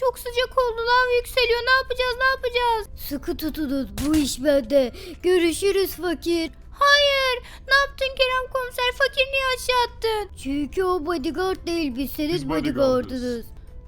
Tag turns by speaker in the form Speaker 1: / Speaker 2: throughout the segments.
Speaker 1: Çok sıcak oldu. Lav yükseliyor. Ne yapacağız? Ne yapacağız?
Speaker 2: Sıkı tutunuz, bu iş bende. Görüşürüz fakir.
Speaker 1: Hayır. Ne yaptın Kerem komiser? Fakir niye aşağı attın?
Speaker 2: Çünkü o bodyguard değil, biz senin
Speaker 3: Biz bodyguardız.
Speaker 2: bodyguardınız.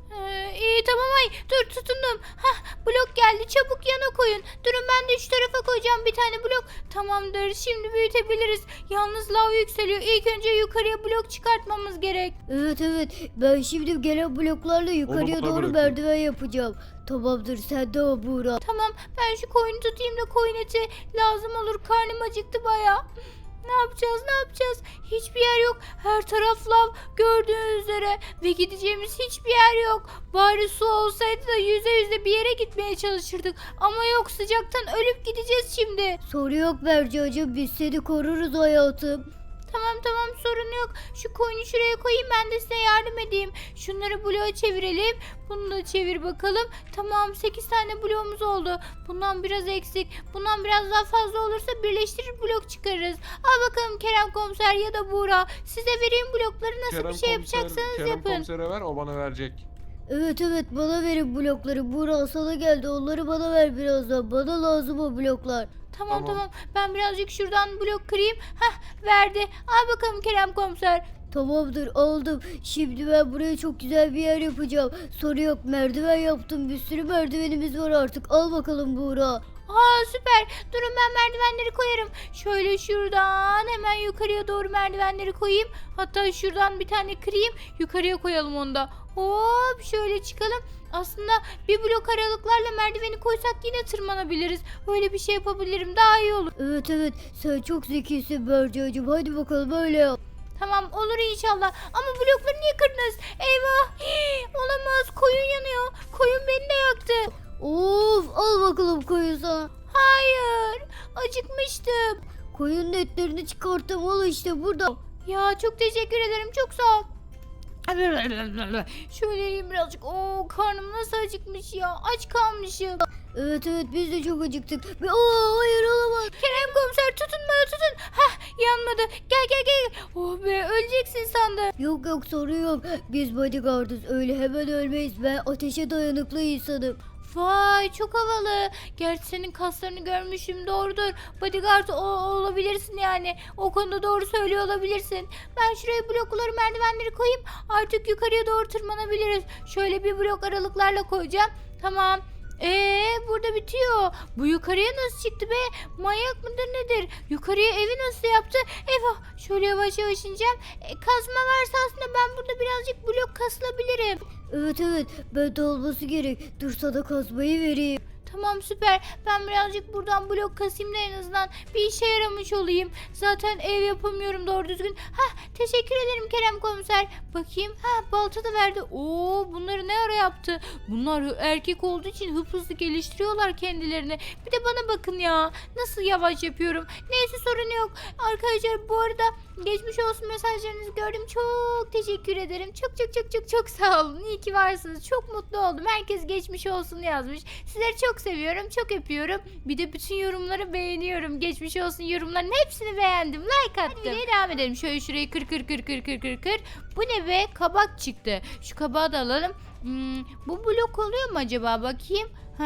Speaker 1: İyi tamam ay. Dur tutundum. Hah blok geldi. Çabuk yana koyun. Durun ben de şu tarafa koyacağım bir tane blok. Tamamdır. Şimdi büyütebiliriz. Yalnız lav yükseliyor. İlk önce yukarıya blok çıkartmamız gerek.
Speaker 2: Evet, ben şimdi gelen bloklarla yukarıya
Speaker 3: bana
Speaker 2: doğru
Speaker 3: bırakın.
Speaker 2: merdiven yapacağım. Tamamdır, sen de o Buğra.
Speaker 1: Tamam ben şu koyunu tutayım da koyun eti lazım olur. Karnım acıktı baya. Ne yapacağız ne yapacağız? Hiçbir yer yok. Her taraf lav gördüğünüz üzere. Ve gideceğimiz hiçbir yer yok. Bari su olsaydı da yüze yüze bir yere gitmeye çalışırdık. Ama yok sıcaktan ölüp gideceğiz şimdi.
Speaker 2: Soru yok Bercacığım, biz seni koruruz hayatım.
Speaker 1: Tamam sorun yok. Şu koyunu şuraya koyayım ben de size yardım edeyim. Şunları bloğa çevirelim. Bunu da çevir bakalım. Tamam 8 tane bloğumuz oldu. Bundan biraz eksik. Bundan biraz daha fazla olursa birleştirir blok çıkarırız. Al bakalım Kerem komiser ya da Buğra. Size vereyim blokları nasıl bir şey yapacaksanız
Speaker 3: Kerem
Speaker 1: yapın.
Speaker 3: komisere ver, o bana verecek.
Speaker 2: Evet, bana verin blokları. Buğra sana geldi, onları bana ver birazdan. Bana lazım o bloklar.
Speaker 1: Tamam. Ben birazcık şuradan blok kırayım. Hah verdi. Al bakalım Kerem komiser.
Speaker 2: Tamamdır, aldım. Şimdi ben buraya çok güzel bir yer yapacağım. Soru yok, merdiven yaptım. Bir sürü merdivenimiz var artık. Al bakalım Buğra.
Speaker 1: Aa süper. Durun ben merdivenleri koyarım. Şöyle şuradan hemen yukarıya doğru merdivenleri koyayım. Hatta şuradan bir tane kırayım. Yukarıya koyalım onu da. Hop şöyle çıkalım. Aslında bir blok aralıklarla merdiveni koysak yine tırmanabiliriz. Öyle bir şey yapabilirim. Daha iyi olur.
Speaker 2: Evet, sen çok zekisin Bercacığım. Hadi bakalım öyle yap.
Speaker 1: Tamam olur inşallah. Ama blokları niye kırdınız? Eyvah. Olamaz. Koyun yanıyor. Koyun beni de yaktı.
Speaker 2: Of, al bakalım koyun sana.
Speaker 1: Hayır. Acıkmıştım.
Speaker 2: Koyunun etlerini çıkarttım, al işte burada.
Speaker 1: Ya çok teşekkür ederim. Çok sağ ol. Şöyle yiyeyim birazcık. Oo karnım nasıl acıkmış ya. Aç kalmışım.
Speaker 2: Evet, biz de çok acıktık. Hayır, olamaz.
Speaker 1: Kerem komiser tutun bana tutun. Hah yanmadı. Gel. Oh be öleceksin sandım.
Speaker 2: Yok, sorun yok. Biz bodyguardız, öyle hemen ölmeyiz. Ben ateşe dayanıklı insanım.
Speaker 1: Vay çok havalı. Gerçi senin kaslarını görmüşüm doğrudur. Bodyguard olabilirsin yani. O konuda doğru söylüyor olabilirsin. Ben şuraya blokları merdivenleri koyayım. Artık yukarıya doğru tırmanabiliriz. Şöyle bir blok aralıklarla koyacağım. Tamam. Burada bitiyor. Bu yukarıya nasıl çıktı be? Manyak mıdır nedir? Yukarıya evi nasıl yaptı? Eyvah. Şöyle yavaş ineceğim. Kazma varsa aslında ben burada birazcık blok kasılabilirim.
Speaker 2: Evet, ben de olması gerek. Dur sana kazmayı vereyim.
Speaker 1: Tamam süper. Ben birazcık buradan blok kasayım da en azından bir işe yaramış olayım. Zaten ev yapamıyorum doğru düzgün. Teşekkür ederim Kerem komiser. Bakayım. Balta da verdi. Oo bunları ne ara yaptı? Bunlar erkek olduğu için hızlı geliştiriyorlar kendilerini. Bir de bana bakın ya. Nasıl yavaş yapıyorum. Neyse sorun yok. Arkadaşlar bu arada geçmiş olsun mesajlarınızı gördüm. Çok teşekkür ederim. Çok sağ olun. İyi ki varsınız. Çok mutlu oldum. Herkes geçmiş olsun yazmış. Sizleri çok seviyorum. Çok öpüyorum. Bir de bütün yorumları beğeniyorum. Geçmiş olsun yorumların hepsini beğendim. Like attım. Hadi devam edelim. Şöyle şurayı kır. Bu ne be? Kabak çıktı. Şu kabağı da alalım. Bu blok oluyor mu acaba? Bakayım.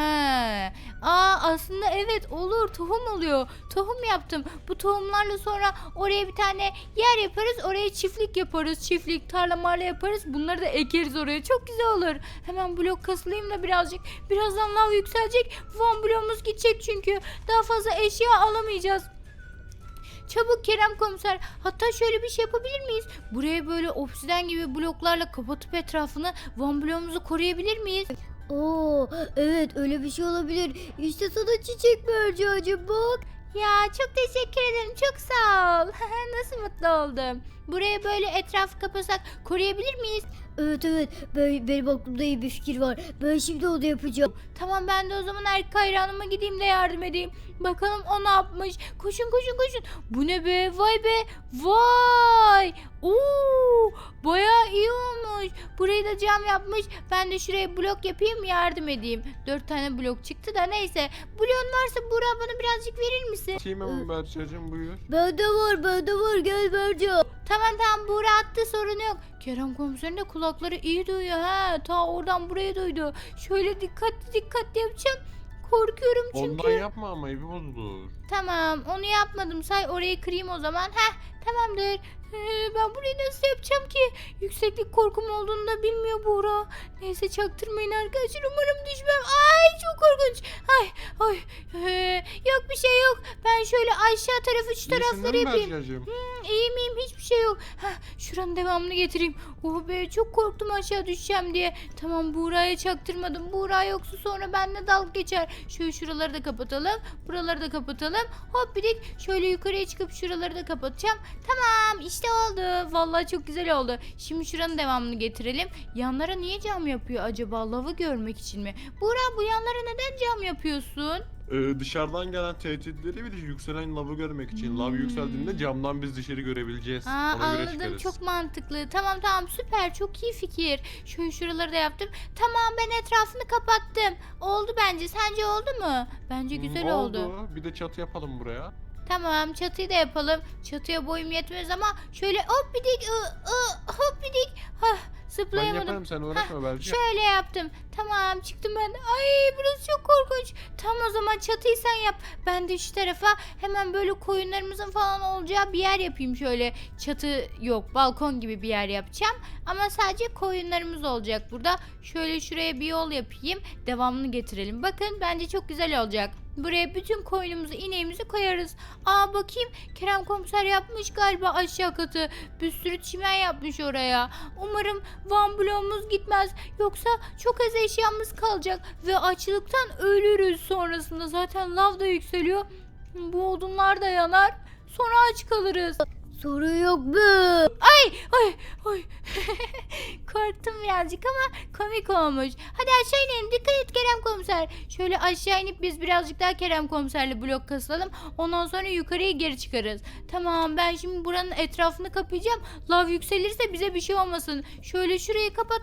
Speaker 1: Aslında evet olur. Tohum oluyor. Tohum yaptım. Bu tohumlarla sonra oraya bir tane yer yaparız. Oraya çiftlik yaparız. Çiftlik, tarla marla yaparız. Bunları da ekeriz oraya. Çok güzel olur. Hemen blok kasılayım da birazcık. Birazdan lav yükselecek. Van bloğumuz gidecek çünkü. Daha fazla eşya alamayacağız. Çabuk Kerem komiser. Hatta şöyle bir şey yapabilir miyiz? Buraya böyle obsiden gibi bloklarla kapatıp etrafını van bloğumuzu koruyabilir miyiz?
Speaker 2: Evet, öyle bir şey olabilir. İşte sana çiçek Bercacığım, bak.
Speaker 1: Ya çok teşekkür ederim. Çok sağ ol. Nasıl mutlu oldum. Buraya böyle etrafı kapasak koruyabilir miyiz?
Speaker 2: Evet, benim aklımda iyi bir fikir var. Ben şimdi onu yapacağım.
Speaker 1: Tamam ben de o zaman erkek hayranıma gideyim de yardım edeyim. Bakalım o ne yapmış. Koşun. Bu ne be? Vay be. Vay. Bayağı iyi olmuş. Burayı da cam yapmış. Ben de şuraya blok yapayım yardım edeyim. 4 tane blok çıktı da neyse. Bloğun varsa Burak bana birazcık verir misin?
Speaker 3: Kim hemen Berçacığım, buyur.
Speaker 2: Bende var, gel Berca.
Speaker 1: Tamam Buğra attı, sorun yok. Kerem komiserin de kulakları iyi duyuyor ha. Ta oradan buraya duydu. Şöyle dikkatli yapacağım. Korkuyorum çünkü.
Speaker 3: Ondan yapma ama evi bozulur.
Speaker 1: Tamam, onu yapmadım, say orayı kırayım o zaman. Tamamdır. Ben burayı nasıl yapacağım ki? Yükseklik korkum olduğunu da bilmiyor Buğra. Neyse çaktırmayın arkadaşlar, umarım düşmem. Ay çok korkunç. Ay. Yok bir şey yok. Ben şöyle aşağı tarafı şu tarafları yapayım.
Speaker 3: Bercacığım?
Speaker 1: İyi miyim? Hiçbir şey yok. Şuranın devamını getireyim. Oh be, çok korktum aşağı düşeceğim diye. Tamam, Buğra'ya çaktırmadım. Buğra yoksa sonra benimle dalga geçer. Şöyle şuraları da kapatalım. Buraları da kapatalım. Hop bidik. Şöyle yukarıya çıkıp şuraları da kapatacağım. Tamam, işte oldu. Vallahi çok güzel oldu. Şimdi şuranın devamını getirelim. Yanlara niye cam yapıyor acaba? Lavı görmek için mi? Buğra, bu yanlara neden cam yapıyorsun?
Speaker 3: Dışarıdan gelen tehditleri bir de yükselen lavı görmek için. Lav yükseldiğinde camdan biz dışarı görebileceğiz. Ona göre
Speaker 1: Anladım,
Speaker 3: çıkarız.
Speaker 1: çok mantıklı. Tamam süper, çok iyi fikir. Şuraları da yaptım. Tamam, ben etrafını kapattım. Oldu bence. Sence oldu mu? Bence güzel oldu.
Speaker 3: Bir de çatı yapalım buraya.
Speaker 1: Tamam, çatıyı da yapalım. Çatıya boyum yetmez ama şöyle hop bidik hop bidik.
Speaker 3: Ben
Speaker 1: Zıplayamadım.
Speaker 3: yaparım, sen uğraşma Berca.
Speaker 1: Şöyle yaptım. Tamam, çıktım ben. Ay, burası çok korkunç. Tam o zaman çatıyı sen yap. Ben de şu tarafa hemen böyle koyunlarımızın falan olacağı bir yer yapayım şöyle. Çatı yok, balkon gibi bir yer yapacağım. Ama sadece koyunlarımız olacak burada. Şöyle şuraya bir yol yapayım. Devamını getirelim. Bakın, bence çok güzel olacak. Buraya bütün koyunumuzu, ineğimizi koyarız. Bakayım, Kerem komiser yapmış galiba aşağı katı. Bir sürü çimen yapmış oraya. Umarım Van bloğumuz gitmez. Yoksa çok az eşyamız kalacak ve açlıktan ölürüz sonrasında. Zaten lav da yükseliyor. Bu odunlar da yanar. Sonra aç kalırız.
Speaker 2: Sorun yok mu?
Speaker 1: Ay. Korktum birazcık ama komik olmuş. Hadi aşağı inelim. Dikkat et Kerem komiser. Şöyle aşağı inip biz birazcık daha Kerem komiserle blok kasalım. Ondan sonra yukarıya geri çıkarız. Tamam, ben şimdi buranın etrafını kapayacağım. Lav yükselirse bize bir şey olmasın. Şöyle şurayı kapat.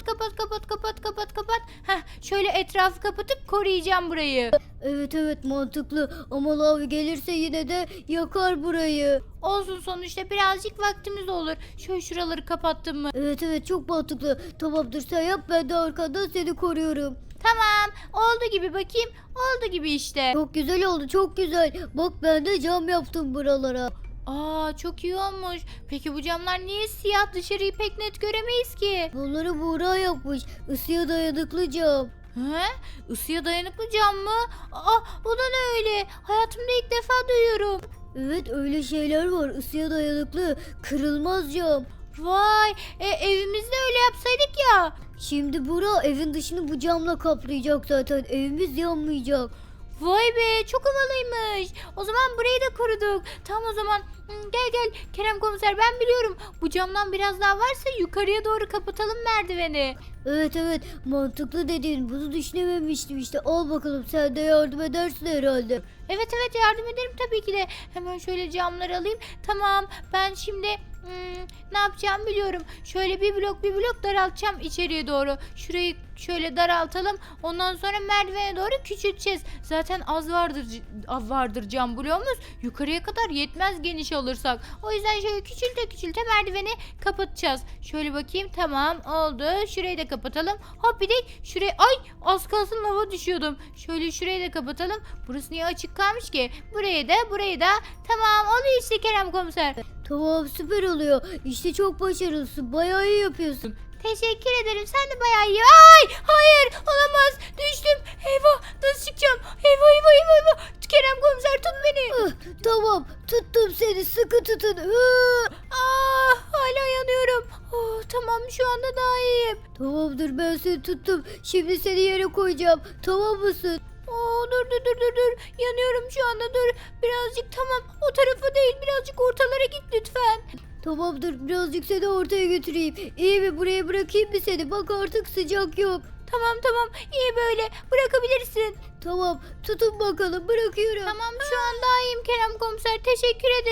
Speaker 1: Şöyle etrafı kapatıp koruyacağım burayı.
Speaker 2: Evet mantıklı ama lav gelirse yine de yakar burayı.
Speaker 1: Olsun, sonuçta birazcık vaktimiz olur. Şöyle şuraları kapattım mı?
Speaker 2: Evet çok mantıklı. Tamamdır, sen yap, ben de arkandan seni koruyorum.
Speaker 1: Tamam, oldu gibi, bakayım. Oldu gibi işte.
Speaker 2: Çok güzel oldu, çok güzel. Bak, ben de cam yaptım buralara.
Speaker 1: Çok iyi olmuş. Peki bu camlar niye siyah? Dışarıyı pek net göremeyiz ki.
Speaker 2: Bunları Buğra yapmış. Isıya dayanıklı cam.
Speaker 1: Isıya dayanıklı cam mı? O da ne öyle? Hayatımda ilk defa duyuyorum.
Speaker 2: Evet, öyle şeyler var. Isıya dayanıklı, kırılmaz cam.
Speaker 1: Vay, evimizde öyle yapsaydık ya.
Speaker 2: Şimdi Buğra evin dışını bu camla kaplayacak zaten. Evimiz yanmayacak.
Speaker 1: Vay be, çok havalıymış. O zaman burayı da koruduk. Tamam o zaman gel Kerem komiser, ben biliyorum. Bu camdan biraz daha varsa yukarıya doğru kapatalım merdiveni.
Speaker 2: Evet mantıklı dediğin, bunu düşünememiştim işte. Al bakalım, sen de yardım edersin herhalde.
Speaker 1: Evet yardım ederim tabii ki de. Hemen şöyle camları alayım. Tamam, ben şimdi ne yapacağımı biliyorum. Şöyle bir blok daraltacağım içeriye doğru. Şurayı şöyle daraltalım. Ondan sonra merdivene doğru küçülteceğiz. Zaten az vardır cam bloğumuz. Yukarıya kadar yetmez geniş olursak. O yüzden şöyle küçülte merdiveni kapatacağız. Şöyle bakayım, tamam oldu. Şurayı da kapatalım. Hop bir de şuraya, ay az kalsın lava düşüyordum. Şöyle şurayı da kapatalım. Burası niye açık kalmış ki? Burayı da. Tamam, oluyor işte Kerem komiser.
Speaker 2: Tamam, süper oluyor. İşte çok başarılısın. Bayağı iyi yapıyorsun.
Speaker 1: Teşekkür ederim. Sen de bayağı iyi. Ay! Hayır! Olamaz! Düştüm. Eyvah! Nasıl çıkacağım? Eyvah! Kerem komiser, tut beni.
Speaker 2: Tamam, tuttum seni, sıkı tutun.
Speaker 1: Hala yanıyorum. Tamam, şu anda daha iyiyim.
Speaker 2: Tamamdır, ben seni tuttum. Şimdi seni yere koyacağım. Tamam mısın?
Speaker 1: Dur. Yanıyorum şu anda, dur. Birazcık, tamam. O tarafa değil, birazcık ortalara git lütfen.
Speaker 2: Tamamdır, birazcık seni ortaya götüreyim. İyi mi, buraya bırakayım mı seni? Bak, artık sıcak yok.
Speaker 1: Tamam. İyi böyle. Bırakabilirsin.
Speaker 2: Tamam, tutun bakalım, bırakıyorum.
Speaker 1: Tamam, şu an daha iyiyim Kerem komiser. Teşekkür ederim.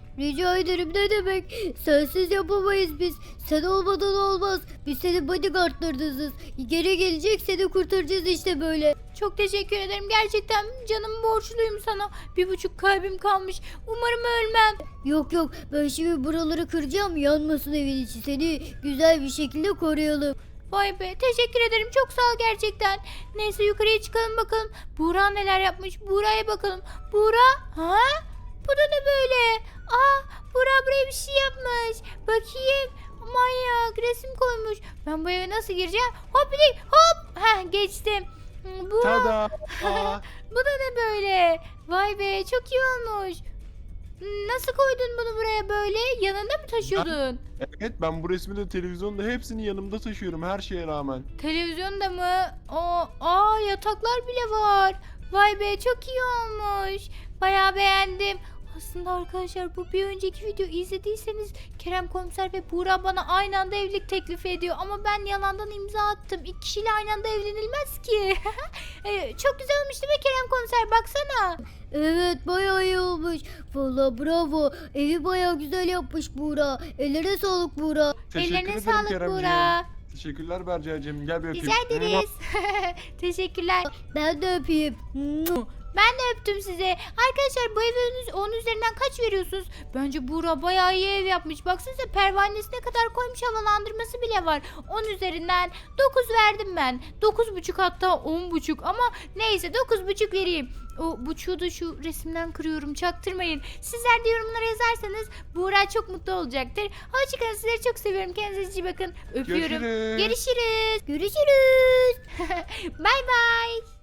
Speaker 2: Rica ederim, ne demek? Sensiz yapamayız biz. Sen olmadan olmaz. Biz senin bodyguardlarınızız. Geri gelecek, seni kurtaracağız işte böyle.
Speaker 1: Çok teşekkür ederim. Gerçekten canımı borçluyum sana. 1,5 kalbim kalmış. Umarım ölmem.
Speaker 2: Yok yok, ben şimdi buraları kıracağım, yanmasın evin içi. Seni güzel bir şekilde koruyalım.
Speaker 1: Vay be, teşekkür ederim. Çok sağ ol gerçekten. Neyse yukarıya çıkalım bakalım. Buğra neler yapmış? Buğra'ya bakalım. Buğra? Ha? Bu da ne böyle? Aa, Buğra buraya bir şey yapmış. Bakayım. Manyak, resim koymuş. Ben bu eve nasıl gireceğim? Hop bir hop. Heh, geçtim. Bu,
Speaker 3: Tada! Aa,
Speaker 1: bu da ne böyle? Vay be, çok iyi olmuş. Nasıl koydun bunu buraya böyle? Yanında mı taşıyordun?
Speaker 3: evet, ben bu resmi de televizyonda hepsini yanımda taşıyorum her şeye rağmen.
Speaker 1: Televizyonda mı? Yataklar bile var. Vay be, çok iyi olmuş. Bayağı beğendim. Aslında arkadaşlar bu bir önceki videoyu izlediyseniz Kerem Komiser ve Buğra bana aynı anda evlilik teklifi ediyor. Ama ben yalandan imza attım. 2 kişiyle aynı anda evlenilmez ki. Çok güzel olmuş değil mi Kerem Komiser? Baksana.
Speaker 2: Evet, bayağı iyi olmuş. Vallahi bravo. Evi bayağı güzel yapmış Buğra. Ellerine sağlık Buğra.
Speaker 3: Teşekkür
Speaker 1: Ellerine
Speaker 3: ederim
Speaker 1: sağlık
Speaker 3: Keremciğim.
Speaker 1: Buğra.
Speaker 3: Teşekkürler Berca'cığım. Gel bir öpeyim.
Speaker 1: Rica ederiz. Teşekkürler.
Speaker 2: Ben de öpeyim.
Speaker 1: Ben de öptüm size. Arkadaşlar bu eve 10 üzerinden kaç veriyorsunuz? Bence Buğra bayağı iyi ev yapmış. Baksanıza pervanesine kadar koymuş, havalandırması bile var. 10 üzerinden 9 verdim ben. 9,5 hatta 10,5 ama neyse 9,5 vereyim. O buçuğu da şu resimden kırıyorum, çaktırmayın. Sizler de yorumlara yazarsanız Buğra çok mutlu olacaktır. Hoşçakalın, sizleri çok seviyorum. Kendinize iyi bakın. Öpüyorum.
Speaker 3: Görüşürüz.
Speaker 1: Görüşürüz.
Speaker 2: Görüşürüz.
Speaker 1: Bay bay.